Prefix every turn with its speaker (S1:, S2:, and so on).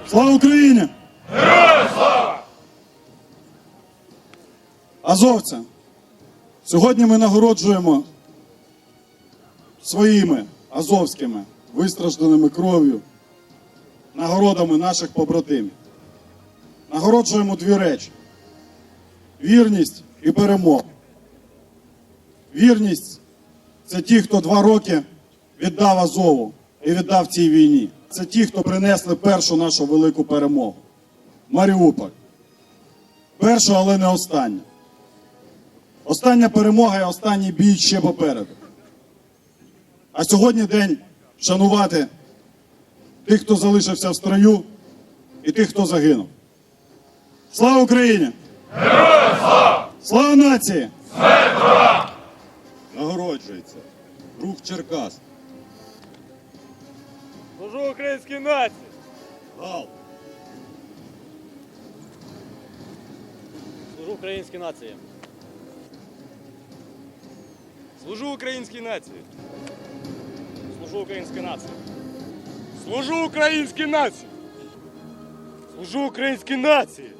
S1: Слава Україні!
S2: Героям слава!
S1: Азовці, сьогодні ми нагороджуємо своїми азовськими, вистражданими кров'ю, нагородами наших побратимів. Нагороджуємо дві речі – вірність і перемогу. Вірність – це ті, хто 2 роки віддав Азову і віддав цій війні. Це ті, хто принесли першу нашу велику перемогу – Маріуполь. Першу, але не останню. Остання перемога і останній бій ще попереду. А сьогодні день вшанувати тих, хто залишився в строю, і тих, хто загинув. Слава Україні!
S2: Героям слава!
S1: Слава нації!
S2: Смерть ворогам!
S1: Нагороджується рух Черкас.
S2: Служу українській нації!
S1: Гал.
S3: Служу українській нації.
S2: Служу українській нації!
S3: Служу українській нації.
S2: Служу українській нації! Служу українській нації!